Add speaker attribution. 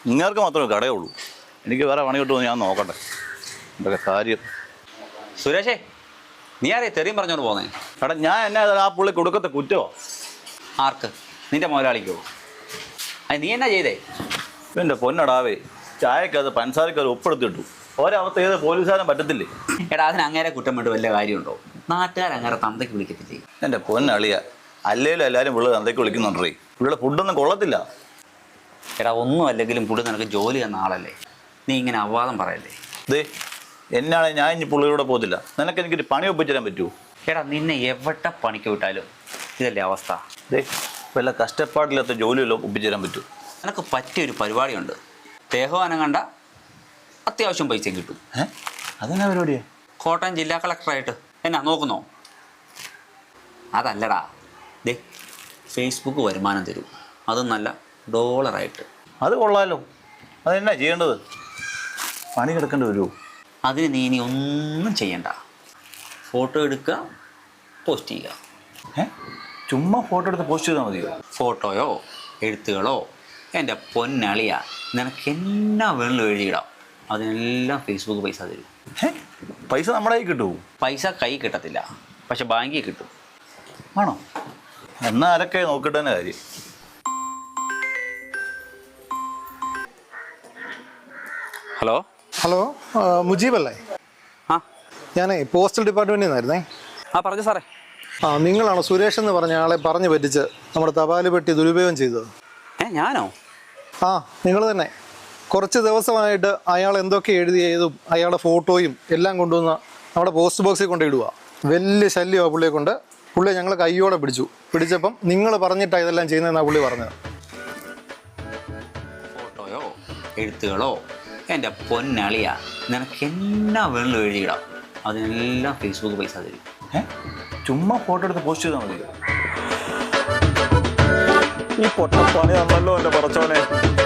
Speaker 1: നിങ്ങൾക്ക് മാത്രമേ കടയുള്ളൂ. എനിക്ക് വേറെ പണി കിട്ടുമെന്ന് ഞാൻ നോക്കട്ടെ. എന്തൊക്കെ കാര്യം.
Speaker 2: സുരേഷേ, നീ ആരെയും തെറിയും പറഞ്ഞോണ്ട് പോന്നേ?
Speaker 1: എടാ ഞാൻ എന്നാ ആ പുള്ളി കൊടുക്കത്തെ കുറ്റമോ?
Speaker 2: ആർക്ക്? നിന്റെ മുതലാളിക്കോ? അത് നീ എന്നാ ചെയ്തേ?
Speaker 1: എൻ്റെ പൊന്നടാവേ, ചായക്കത് പഞ്ചസാരക്കത് ഒപ്പെടുത്തിട്ടു. ഒരവസ്ഥ ഏത് പോലീസുകാരൻ പറ്റത്തില്ലേ?
Speaker 2: എടാ അതിന് അങ്ങേരെ കുറ്റം വേണ്ടി വല്ല കാര്യമുണ്ടോ? നാട്ടുകാരങ്ങേരെ തന്തയ്ക്ക് വിളിക്കത്തില്ലേ?
Speaker 1: എൻ്റെ പൊന്നളിയ, അല്ലേലും എല്ലാവരും പിള്ളേർ തന്തയ്ക്ക് വിളിക്കുന്നുണ്ടേ. ഇവിടെ ഫുഡൊന്നും കൊള്ളത്തില്ല.
Speaker 2: എടാ ഒന്നും അല്ലെങ്കിലും പുള്ളി നിനക്ക് ജോലി തന്ന ആളല്ലേ, നീ ഇങ്ങനെ അപവാദം പറയല്ലേ.
Speaker 1: ദേ എന്നാണ് ഞാൻ ഇനി പുള്ളിയുടെ പോകത്തില്ല. നിനക്ക് എനിക്കൊരു പണി ഒപ്പിച്ചു തരാൻ പറ്റുമോ?
Speaker 2: എടാ നിന്നെ എവിടെ പണിക്ക് വിട്ടാലും ഇതല്ലേ അവസ്ഥ.
Speaker 1: ദേ വല്ല കഷ്ടപ്പാടില്ലാത്ത ജോലിയെല്ലാം ഒപ്പിച്ചു തരാൻ പറ്റുമോ?
Speaker 2: നിനക്ക് പറ്റിയൊരു പരിപാടിയുണ്ട്. ദേഹവാനം കണ്ട അത്യാവശ്യം പൈസയും കിട്ടും.
Speaker 1: അതെന്നാ പരിപാടിയാ?
Speaker 2: കോട്ടയം ജില്ലാ കളക്ടറായിട്ട് എന്നാ നോക്കുന്നോ? അതല്ലടാ, ദേ ഫേസ്ബുക്ക് വരുമാനം തരും, അതും നല്ല ഡോളറായിട്ട്.
Speaker 1: അത് കൊള്ളാലോ. അതെന്നാ ചെയ്യേണ്ടത്? പണി കിടക്കേണ്ടി വരുമോ?
Speaker 2: അതിന് നീ ഇനി ഒന്നും ചെയ്യണ്ട. ഫോട്ടോ എടുക്കുക, പോസ്റ്റ് ചെയ്യുക.
Speaker 1: ചുമ്മാ ഫോട്ടോ എടുത്ത് പോസ്റ്റ് ചെയ്താൽ മതിയോ?
Speaker 2: ഫോട്ടോയോ എഴുത്തുകളോ എൻ്റെ പൊന്നളിയ നിനക്ക് എന്നാ വേണമെങ്കിലും എഴുതിയിടാം. അതിനെല്ലാം ഫേസ്ബുക്ക് പൈസ തരും.
Speaker 1: പൈസ നമ്മുടെ കയ്യിൽ കിട്ടുമോ?
Speaker 2: പൈസ കൈ കിട്ടത്തില്ല, പക്ഷെ ബാങ്കിൽ കിട്ടും.
Speaker 1: ആണോ? എന്നാൽ ആരൊക്കെ നോക്കിയിട്ട് തന്നെ കാര്യം.
Speaker 2: ഹലോ
Speaker 3: ഹലോ, മുജീബ് അല്ലേ?
Speaker 2: ആ
Speaker 3: ഞാനേ പോസ്റ്റൽ ഡിപ്പാർട്ട്മെൻറ്റിൽ നിന്നായിരുന്നേ.
Speaker 2: പറഞ്ഞു സാറേ.
Speaker 3: നിങ്ങളാണോ സുരേഷ് എന്ന് പറഞ്ഞ ആളെ പറഞ്ഞു പറ്റിച്ച് നമ്മുടെ തപാൽ പെട്ടി ദുരുപയോഗം ചെയ്തത്?
Speaker 2: ഞാനോ?
Speaker 3: നിങ്ങൾ തന്നെ. കുറച്ച് ദിവസമായിട്ട് അയാൾ എന്തൊക്കെ എഴുതിയതും അയാളുടെ ഫോട്ടോയും എല്ലാം കൊണ്ടുവന്ന് നമ്മുടെ പോസ്റ്റ് ബോക്സിൽ കൊണ്ടിടുക. വലിയ ശല്യമാണ് പുള്ളിയെ കൊണ്ട്. പുള്ളിയെ ഞങ്ങൾ കയ്യോടെ പിടിച്ചപ്പം നിങ്ങൾ പറഞ്ഞിട്ടാണ് ഇതെല്ലാം ചെയ്യുന്നതെന്നാണ് പുള്ളി പറഞ്ഞത്.
Speaker 2: ഫോട്ടോയോ എഴുത്തുകളോ എൻ്റെ പൊന്നളിയ നിനക്ക് എന്നാ വേണമെങ്കിലും എഴുതിയിടാം. അതിനെല്ലാം ഫേസ്ബുക്ക് പൈസ തരും.
Speaker 1: ചുമ്മാ ഫോട്ടോ എടുത്ത് പോസ്റ്റ് ചെയ്താൽ മതി. ഈ പൊട്ടപ്പണി തന്നല്ലോ എൻ്റെ പറച്ചോനെ.